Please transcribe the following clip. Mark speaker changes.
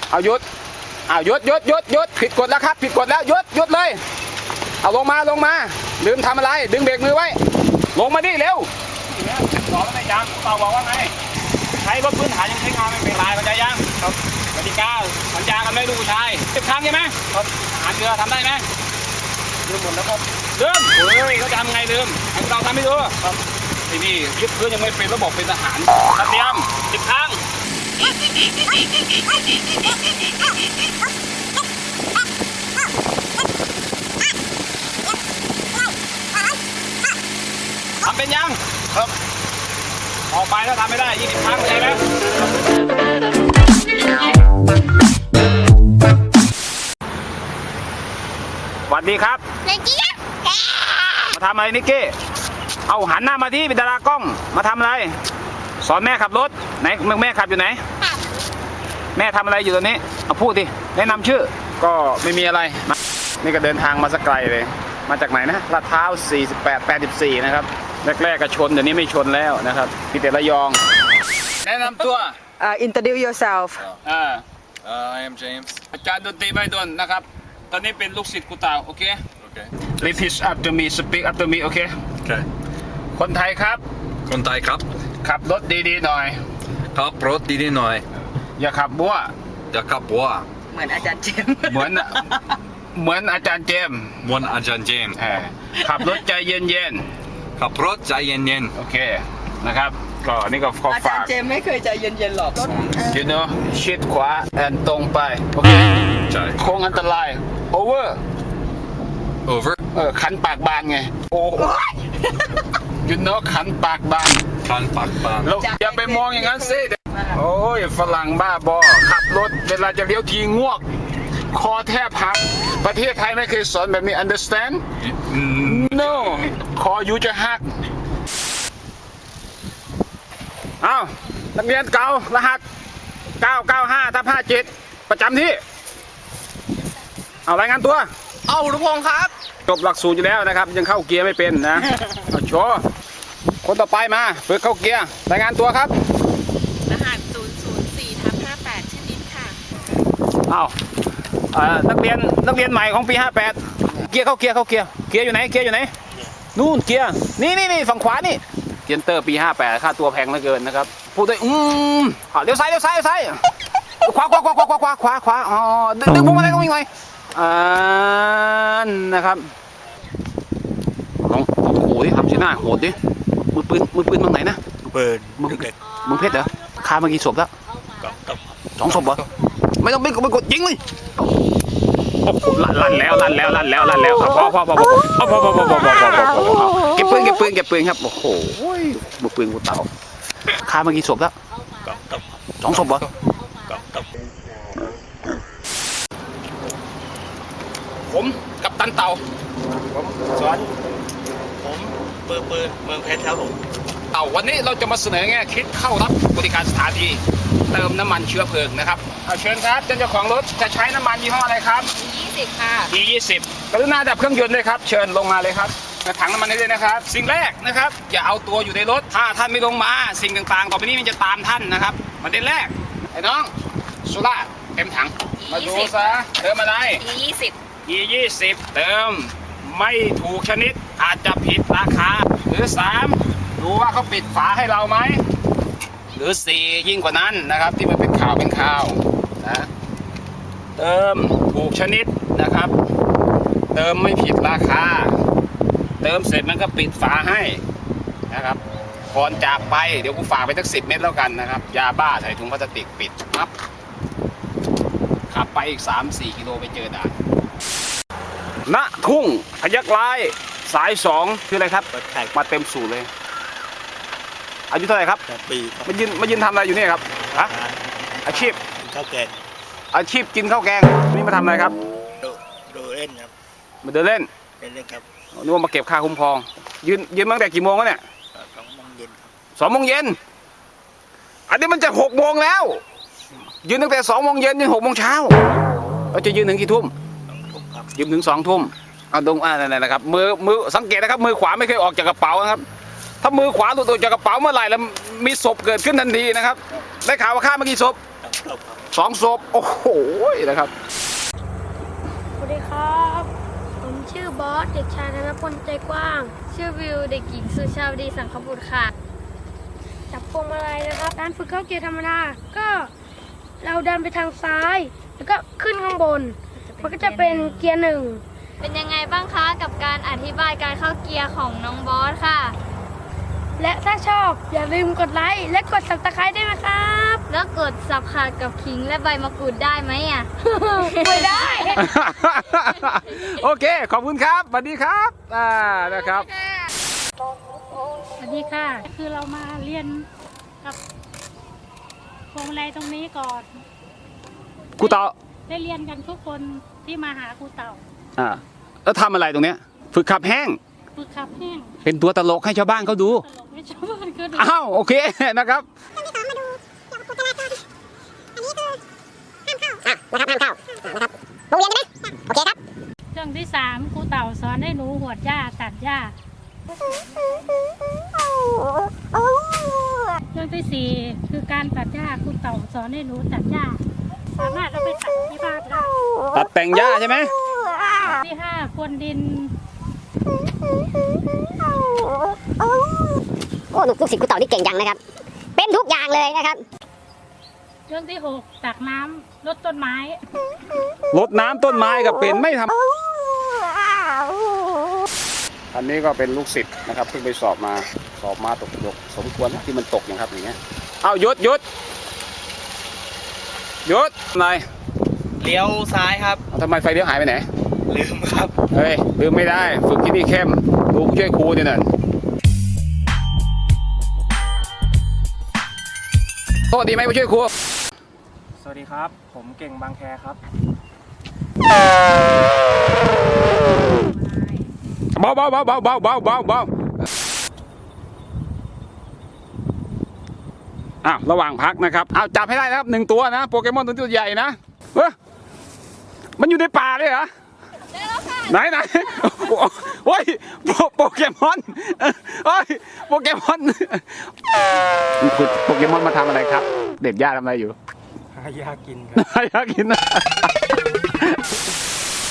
Speaker 1: เอาหยุดหยุดผิดกฎแล้วครับผิดกฎแล้วหยุดเลยเอาลงมาลืมทำอะไรดึงเบรกมือไว้ลงมาดิเร็วสอนแล้วไม่ยังเต่าบอกว่าไงใช้รถพื้นฐานยังใช้งานไม่เป็นไรเข้าใจยังครับกติกาสัญญากันไม่รู้ชาย10 ครั้งใช่ไหมครับอาหารเกลือทำได้ไหมลืมหมดแล้วครับลืมเฮ้ยเขาจะทำไงลืมให้เราทำไม่ดูครับไอ้นี่ยึดพื้นยังไม่เป็นระบบเป็นทหารเตรียม10 ครั้งทำเป็นยังครับออกไปถ้าทำไม่ได้20 ครั้งใช่ไหมสวัสดีครับมาทำอะไรนิกกี้เอาหันหน้ามาที่เป็นดารากล้องมาทำอะไรสอนแม่ขับรถไหนแม่ขับอยู่ไหนแม่ทำอะไรอยู่ตอนนี้เอาพูดดิแนะนำชื่อก็ไม่มีอะไรนี่ก็เดินทางมาสักไกลเลยมาจากไหนนะลาดพร้าว48-84นะครับแรกๆก็ชนเดี๋ยวนี้ไม่ชนแล้วนะครับพี่เตระยองแนะนำตัว
Speaker 2: Introduce yourself.
Speaker 3: I am James.
Speaker 1: อาจารย์ดนตรีใบดนนะครับตอนนี้เป็นลูกศิษย์กูเต่าโอเค
Speaker 3: Okay.
Speaker 1: Repeat after me speak after me โอเค
Speaker 3: Okay.
Speaker 1: คนไทยครับ
Speaker 3: คนไทยครับ
Speaker 1: ขับรถดีๆหน่อย
Speaker 3: ขับรถดีๆหน่อย
Speaker 1: อย่าขับบัว
Speaker 3: อย่าขับวัว
Speaker 2: เหมือนอาจารย์เจมส์
Speaker 1: เหมือนอาจารย์เจมส์
Speaker 3: มวนอาจารย์เจมส์
Speaker 1: ขับรถใจเย็น
Speaker 3: ขับรถใจเย็น
Speaker 1: ๆโอเคนะครับก็นี่ก็ขอ
Speaker 2: อาจาร
Speaker 1: ฝาก
Speaker 2: ย์เจมส์ไม่เคยใจเย็นๆหรอก
Speaker 1: you know ชิดขวาแอนตรงไปโอเค
Speaker 3: ๆใช่
Speaker 1: โค้งอันตราย over
Speaker 3: over
Speaker 1: ขันปากบานไงโอ้ you know ขันปากบาน
Speaker 3: คันปากบาง
Speaker 1: แล้วอย่าไปมองอย่างนั้นสิโอ้ยฝรั่งบ้าบอขับรถเวลาจะเลี้ยวทีงวกคอแทบหักประเทศไทยไม่เคยสอนแบบนี้ understand no คออยู่จะหักอ้าวนักเรียนเก่ารหัส995/57ประจำที่เอารายงานตัวเอาลุงพงครับจบหลักสูตรอยู่แล้วนะครับยังเข้าเกียร์ไม่เป็นนะเอาโชว์คนต่อไปมาฝึกเข้าเกียร์รายงานตัวครับ
Speaker 4: รหัส 004/58 ชื่อนิดค่ะ
Speaker 1: เอานักเรียนใหม่ของปี58เกียร์เข้าเกียร์อยู่ไหนนู่นเกียร์นี่ฝั่งขวานี่เกียร์เตอร์ปี58ค่าตัวแพงเหลือเกินนะครับพูดด้วยเลี้ยวซ้ายขวาอ๋อดึงพวงมาลัยก็วิ่งไปนะครับลองโหดิทำชิ้นหน้าโหดดิมือปืนตรงไหนนะมึงเพชรเหรอฆ่ามากี่ศพแล้ว2 ศพเหรอไม่ต้องไปกดยิงเลยลั่นแล้วครับพอเก็บปืนครับโอ้โหมือปืนกูเต่าฆ่ามากี่ศพแล้ว2 ศพเหรอผมกับตันเต่าผมสอนผมปืนเมืองเพชรครับผมเต่าวันนี้เราจะมาเสนอแง่คิดเข้ารับบริการสถานีเติมน้ำมันเชื้อเพลิงนะครับเชิญครับเจ้าของรถจะใช้น้ำมันยี่ห้ออะไรครับ
Speaker 4: 20 ค่ะ
Speaker 1: E20 กรุณาดับเครื่องยนต์ด้วยครับเชิญลงมาเลยครับถังน้ำมันนี้เลยนะครับสิ่งแรกนะครับอย่าเอาตัวอยู่ในรถถ้าท่านไม่ลงมาสิ่งต่างๆต่อไปนี้มันจะตามท่านนะครับประเด็นแรกไอ้น้องสุราเต็มถังมาดูซะเติมอะไร E20 เติมไม่ถูกชนิดอาจจะผิดราคาหรือ3ดูว่าเขาปิดฝาให้เราไหมหรือ4ยิ่งกว่านั้นนะครับที่มันเป็นข่าวนะเติมถูกชนิดนะครับเติมไม่ผิดราคาเติมเสร็จมันก็ปิดฝาให้นะครับก่อนจากไปเดี๋ยวกูฝากไปสัก10 เม็ดแล้วกันนะครับยาบ้าใส่ถุงพลาสติกปิดครับขับไปอีก 3-4 กิโลไปเจอด่านณทุ่งพยัคฆ์ร้ายสาย2คืออะไรครับมาเต็มสูตรเลยอายุเท่าไหร่ครับ
Speaker 5: ปี
Speaker 1: มายืนทำอะไรอยู่เนี่ยครับฮะอาชีพ
Speaker 5: ข้าวแกง
Speaker 1: อาชีพกินข้าวแกงนี่มาทำอะไรครับ
Speaker 5: ดูเล่นครับ
Speaker 1: มาเดินเล่น
Speaker 5: ครับ
Speaker 1: นึกว่ามาเก็บค่าคุ้มครองยืนมาตั้งแต่กี่โมงแล้วเนี่ย
Speaker 5: 2 โมงเย็นครับ
Speaker 1: 2 โมงเย็นอันนี้มันจะ6 โมงแล้วยืนตั้งแต่2 โมงเย็นจน6 โมงเช้าเราจะยืนถึงกี่ทุ่มยืนถึง2 ทุ่มเอาตรงนั่นแหละครับมือสังเกตนะครับมือขวาไม่เคยออกจากกระเป๋านะครับถ้ามือขวาหลุดออกจากกระเป๋าเมื่อไหร่แล้วมีศพเกิดขึ้นทันทีนะครับได้ข่าวว่าฆ่ามากี่ศพ 2 ศพ โอ้โหนะครับ
Speaker 6: สวัสดีครับ ผมชื่อบอส เด็กชายธนพลใจกว้าง ชื่อวิว เด็กหญิงสุชาวดีสังขบุตรค่ะ จับพวงมาลัยนะครับ การฝึกเข้าเกียร์ธรรมดา ก็เราดันไปทางซ้าย แล้วก็ขึ้นข้างบน มันก็จะเป็นเกียร์หนึ่ง
Speaker 7: เป็นยังไงบ้างคะกับการอธิบายการเข้าเกียร์ของน้องบอสค่ะ
Speaker 6: และถ้าชอบอย่าลืมกดไลค์และกด Subscribe ด้วยนะครับ
Speaker 7: แล้วกดสับขาดกับขิงและใบมะกรูดได้ไหมอ่ะ
Speaker 6: ไม่ได้
Speaker 1: โอเค ขอบคุณครับสวัสดีครับนะครับ
Speaker 8: สวัสดีค่ะ คือเรามาเรียนกับพวงมาลัยตรงนี้ก่อน
Speaker 1: ครูเต่า
Speaker 8: ได้เรียนกันทุกคนที่มาหาครูเต่า
Speaker 1: แล้วทำอะไรตรงเนี้ย ฝึกขับแห้ง
Speaker 8: ฝึกขับแห้ง
Speaker 1: เป็นตัวตลกให้ชาวบ้านเขาดู
Speaker 8: ตลกให้ชาวบ้านก็ดู
Speaker 1: อ้าว โอเคนะครับ
Speaker 8: เรื่องที่3ครูเต่าสอนให้หนูหวดหญ้าตัดหญ้า เรื่องที่4คือการตัดหญ้าครูเต่าสอนให้หนูตัดหญ้า สามารถเอาไปตัดที่บ้านได้
Speaker 1: ตัดแต่งหญ้าใช่ไหม
Speaker 8: ที่5พรวนดิน
Speaker 9: โอ้ลูกศิษย์ครูเต่านี่เก่งจังนะครับ เป็นทุกอย่างเลยนะครับ
Speaker 8: เรื่องที่6ตักน้ำลดต้นไม้
Speaker 1: รดน้ำต้นไม้กับเป็นไม่ทำอันนี้ก็เป็นลูกศิษย์นะครับเพิ่งไปสอบมาตกยกสมควรที่มันตกอย่างครับอย่างเงี้ยเอาหยุดนาย
Speaker 2: เลี้ยวซ้ายครับ
Speaker 1: ทำไมไฟเลี้ยวหายไปไหน
Speaker 2: ลืมครับ
Speaker 1: เฮ้ยลืมไม่ได้ฝึกที่นี่เข้มดูช่วยครูเนี่ยน่ะโทษดีไหมผู้ช่วยครู
Speaker 10: สวัสดีครับ ผมเก่งบางแคครับ
Speaker 1: เบาอ้าวระหว่างพักนะครับเอาจับให้ได้นะครับ1 ตัวนะโปเกมอนตัวใหญ่นะมันอยู่ในป่าเลยเหรอไหนโอ้ยโปเกมอนโอ้ยโปเกมอนโปเกมอนมาทำอะไรครับ เด็ดหญ้าทำอะไรอยู่
Speaker 10: หายากินครับ
Speaker 1: อยากกินนะ